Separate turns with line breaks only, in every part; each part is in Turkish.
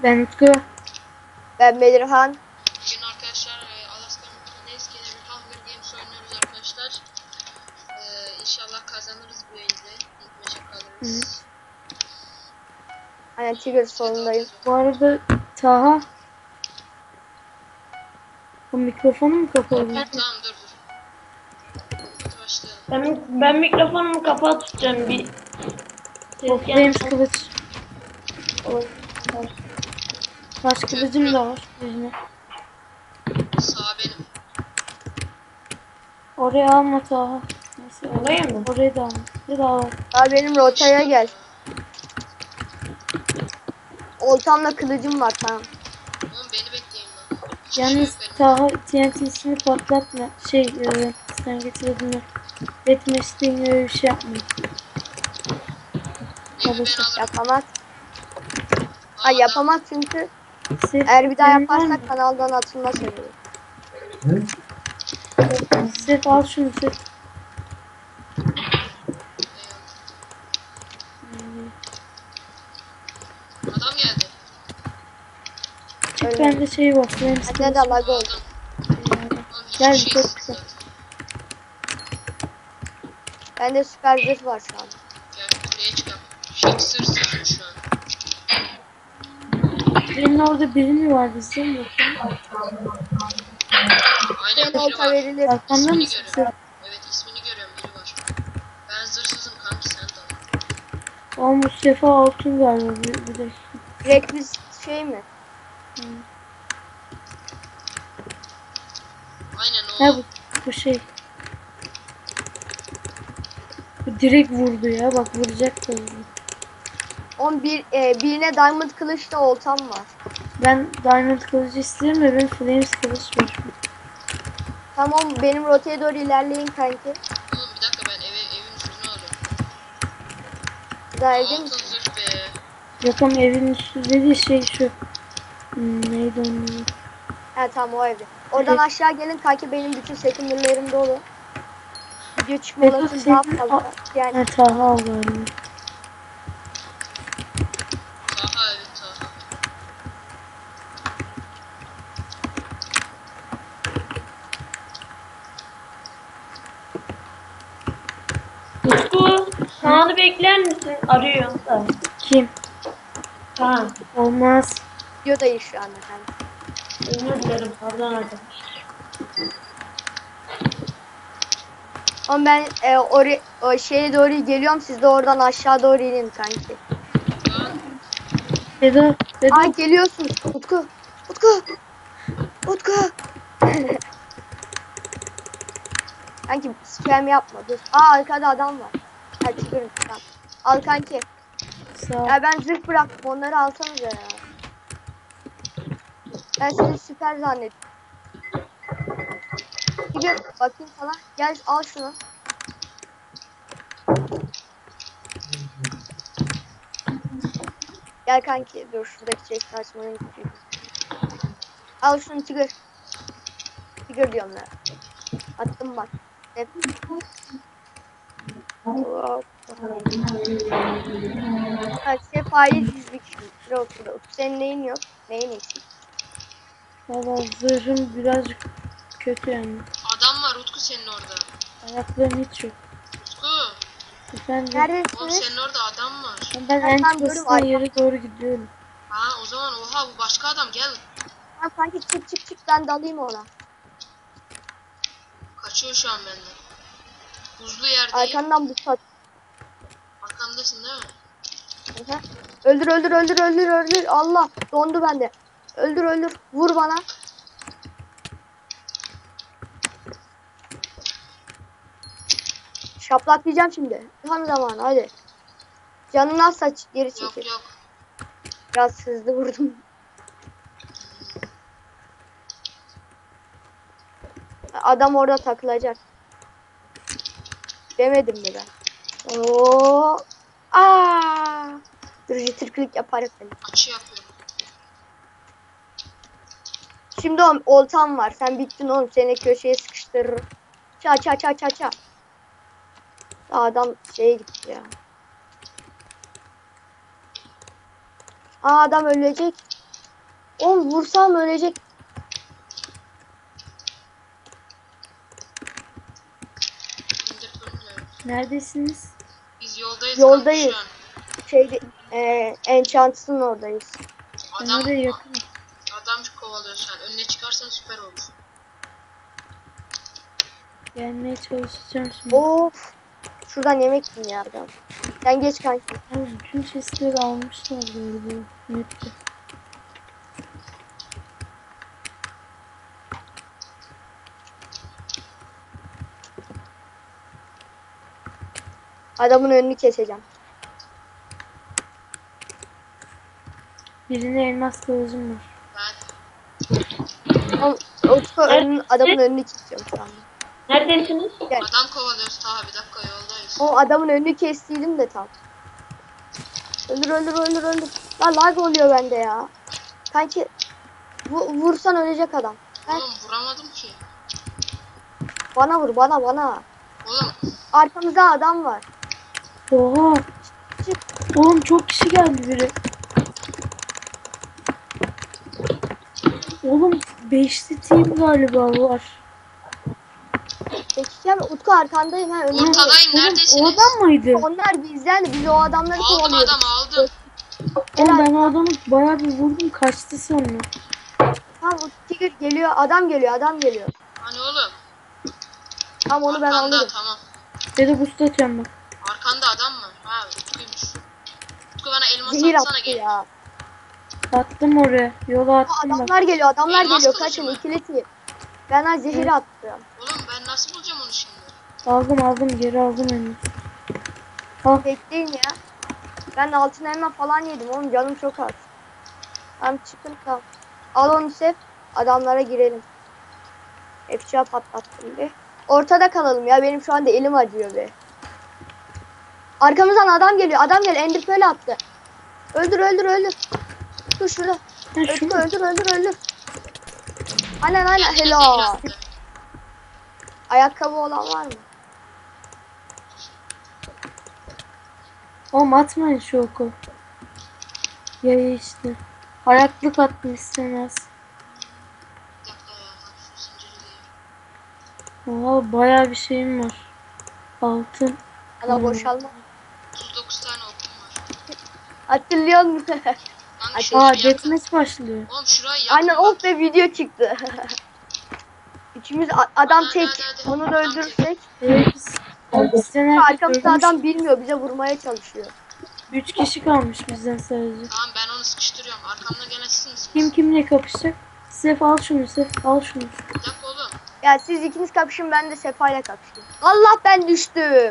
Ben Utku.
Ben Belirhan.
Bugün arkadaşlar Alaska Neskine bir Hunger Games oynuyoruz arkadaşlar. İnşallah kazanırız bu elde. İlk maça kalırız.
Aynen Tigger sonundayım.
Bu arada Taha. Bu mikrofonu mu kapalı?
Tamam dur. Hadi başlayalım.
Ben mikrofonumu kapalı tutacağım bir.
Of Flames kılıç. Taş kılıcım da var. Yüzüne.
Sağ benim.
Oraya alma Taha. Neyse,
Oraya mı?
oraya da alma. Bir daha var.
Abi benim rotaya gel. Oltamla kılıcım var tamam.
Oğlum beni bekleyin lan.
Yalnız Taha TNT'sini patlatma. Sen getirdin mi? Deathmatch'te öyle bir şey yapmayın.
Ben
Babası.
alırım.
Yapamaz. Ha yapamaz çünkü
Sırf
eğer bir daha
benim var mı?
yaparsak kanaldan atılma sebebi.
Sırf al şunu sırf.
Adam geldi.
Öyle.
Bende şey var. Flames
Bende de
kılıç.
lag oldu.
Oğlum hiçbir
Gel,
şey
çok
yok
güzel.
zaten.
Bende süper zırh var şu an.
Gel kuleye çıkalım. Fixers'ın şu an.
Senin orada biri mi var bizim mi?
Aynen
Ben
biri
olta
var.
verilir.
Arkanda
İsmini
mısın sen?
görüyorum. Evet ismini görüyorum biri var. Ben zırsızım kanki sen de al.
Aa Mustafa Altun galiba bir de.
Direkt biz şey mi?
Aynen o.
Ha bu şey. Bu direkt vurdu ya. Bak vuracak da vurdu.
Birine diamond kılıçla oltam var.
Ben Diamond kılıcı istiyorum ve benim Flames kılıç var.
Tamam benim rotaya doğru ilerleyin kanki.
Oğlum bir dakika ben evin üstüne alıyorum.
Daha evde
Altın
misin?
zırh be.
Yok ama evin üstü dediği şey şu. Neydi onun adı?
He tamam o evde. Oradan
Evet.
aşağı gelin kanki benim bütün sekundürlerim dolu. Video çıkma
Evet,
olasılığı daha
senin-
fazla. Yani
Ha Taha al galiba.
Taha evet Taha.
Utku, Kaan'ı bekler misin? Arıyor da.
Kim?
Kaan.
Olmaz.
videodayız şu anda kanki.
Özür dilerim. Pardon arkadaşlar.
Ama ben o şeye doğru geliyorum siz de oradan aşağı doğru inin kanki.
Lan
Vedat.
Ay
Vedat.
geliyorsun Utku. Utku. Kanki spam yapma dur. Aa arkada adam var. Hadi çıkırım tamam. Al kanki.
Sağ ol.
Ya ben zırh bıraktım onları alsanıza ya. Ben sizi süper zannettim. Gidin bakayım sana. Gel al şunu. Gel kanki dur şuradaki çekti açmaya gidiyorum. Al şunu Tigger. Tigger diyorum ya. Attım bak. Hep. Hop. Ha, sefayı dizdik şimdi. Yok. Senin neyin yok? Neyin eksik?
Valla zırhım birazcık kötü yani.
adam var Utku senin orada.
Ayaklarım hiç yok.
Utku.
Efendim.
Oğlum
Neredesiniz?
senin orada adam var.
Ben en
tam görüyorum,
kısma yere doğru gidiyorum.
Ha o zaman oha bu başka adam gel.
Ha, kanki çık ben dalayım ona.
Kaçıyor şu an benden. Buzlu yerdeyim.
Arkandan bu sat.
Arkamdasın değil mi?
Hı hı. Öldür. Allah dondu bende. Öldür. Vur bana. Şaplaklayacağım şimdi. Tam zamanı hadi. Canını az saç geri çekil.
Yok.
Biraz hızlı vurdum. Adam orada takılacak. Demedim mi ben? Oo! Aa! Dur jitter yaparım seni.
Açı yapıyorum.
Şimdi oltam var. Sen bittin oğlum. Seni köşeye sıkıştırırım. Ça. Adam şeye gitti ya. Aa adam ölecek. Oğlum vursam ölecek.
İndir fırını.
Neredesiniz?
Biz yoldayız.
Yoldayız.
kanka
Şeyde Enchants'ın oradayız.
şu an.
Ben
Adam,
oraya yakınım.
adam kovalıyor şu an. Önüne çıkarsan süper olur.
Gelmeye çalışacağım şimdi.
Of. Şuradan yemek yiyin ya adam. Sen geç kanki.
Abi bütün chestleri almışlar böyle map'te.
Adamın önünü keseceğim.
Birine elmas kılıcım var.
Ben
Adamın önünü kesiyorum şu anda.
Neredesiniz?
adam kovalıyoruz. Ta bir dakika yoldayız.
O adamın önünü kestiydim de tam. Öldür öldür öldür öldür. Lan lag oluyor bende ya. Kanki vursan ölecek adam.
Oğlum vuramadım ki.
Bana vur bana.
Oğlum
Arkamızda adam var.
Oha!
Çık.
Oğlum çok kişi geldi biri. Oğlum 5'li team galiba var.
Peki ya Utku arkandayım ha önümde.
ortadayım
Oğlum
neredesiniz?
o adam mıydı?
Onlar bizden biz o adamları
Aldım
kovalıyoruz.
adam aldım.
Oğlum ben o adamı bayağı bir vurdum kaçtı sonra.
Tamam Tigger geliyor adam geliyor.
Hani oğlum?
Tamam onu ben
Arkanda
alırım.
tamam.
Ya da boost atıyorum bak.
Arkanda adam mı? Ha Utku'ymuş. Utku bana elmas
Zehir
atsana
attı
gel.
ya.
Attım oraya. Yola
Aa,
attım bak.
adamlar geliyor
Elmas
geliyor.
kılıcı
Kaçın
mı?
ikili team. Ben ha zehir attım.
Oğlum ben nasıl bulacağım onu şimdi?
Aldım geri aldım elini. Al.
Bekleyin ya. Ben altın elma falan yedim oğlum canım çok az. Tamam çıkın tamam. Al onu sev. Adamlara girelim. Efça patlattım bir. Ortada kalalım ya benim şu anda elim acıyor be. Arkamızdan adam geliyor. Ender Pearl attı. Öldür. Dur şurada.
Ha, şu mu?
Öldür. Aynen
Kendine zehir
helal.
attı.
Ayakkabı olan var mı?
Oğlum atmayın şu oku. Yaya işte. Ayaklık attım istemez.
Bir dakika ya. Şu zinciri değil.
Oha bayağı bir şeyim var. Altın.
Ana boşalma.
39 tane okum var.
Hatırlıyor musun?
Kanka
Aa,
şurayı
Aa
yakın.
deathmatch başlıyor.
Oğlum şurayı yakın.
Aynen
bak.
be video çıktı. İkimiz adam
Hadi,
tek.
hadi.
Onu da öldürürsek.
Evet biz bizden herkes
Arkamızda
ölmüş.
adam bilmiyor bize vurmaya çalışıyor.
3 kişi kalmış bizden sadece.
Tamam ben onu sıkıştırıyorum. Arkamda gene siz misiniz?
Kim kimle kapışacak? Sef al şunu Sef al şunu.
Bir dakika oğlum.
Ya siz ikiniz kapışın ben de Sefa'yla kapışayım. Allah ben düştüm.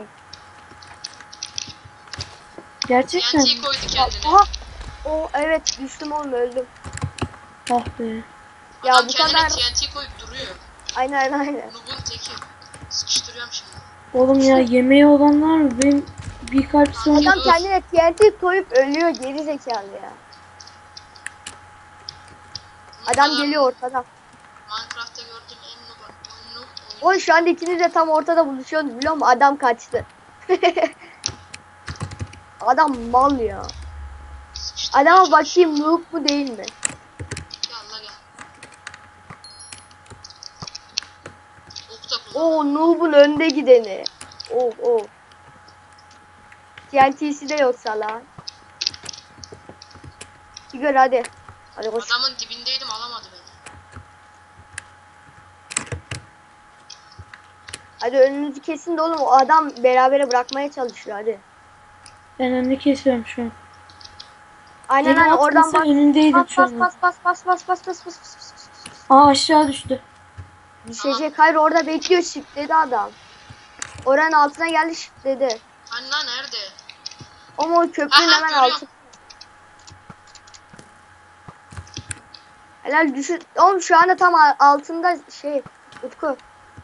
Gerçekten mi?
TNT koydu kendine.
Aha. O evet düştüm oğlum öldüm.
Ah be.
Ya
Adam
bu
kendine
kadar.
TNT koyup duruyor.
Aynen.
Noob'un teki. Sıkıştırıyorum şimdi.
Oğlum ya yemeği olanlar mı? Benim bir kalp sonra
Adam kendine TNT koyup ölüyor geri zekalı ya. Adam geliyor ortada.
Minecraft'ta gördüğüm en noob oyunu.
Oy şu anda ikiniz de tam ortada buluşuyorsunuz biliyor musun? Adam kaçtı. Adam mal ya.
Sıkıştırmaya
Adama
çalışıyorum.
bakayım noob mu değil mi?
Gel la gel. Ok da kullan.
Oo noob'un önde gideni. Oh. TNT'si de yoksa lan. Tigger hadi. Hadi koş.
Adamın dibindeydim alamadı beni.
Hadi önünüzü kesin de oğlum o adam berabere bırakmaya çalışıyor hadi.
ben önünü kesiyorum şu an.
Aynen
Beni
oradan
atmasa
bas.
önündeydim şu an.
Bas.
Aa aşağı düştü.
Düşecek. Hayır orada bekliyor şitledi adam. Oranın altına geldi şitledi.
Hani lan nerede?
Ama o köprünün
Aha,
hemen
görüyorum.
altı. Helal düşün. Oğlum şu anda tam altında şey. Utku.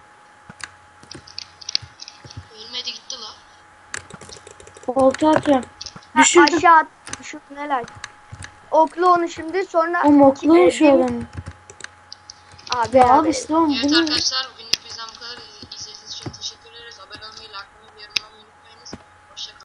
Ölmedi gitti la.
Olta atıyorum.
Ha,
Düşürdüm.
aşağı at. Düşürdün helal. Oklu onu şimdi sonra.
O mokluyor şu
Demir-
adamı.
Aa,
Ya al
beraber.
işte oğlum
Evet
bunu.
arkadaşlar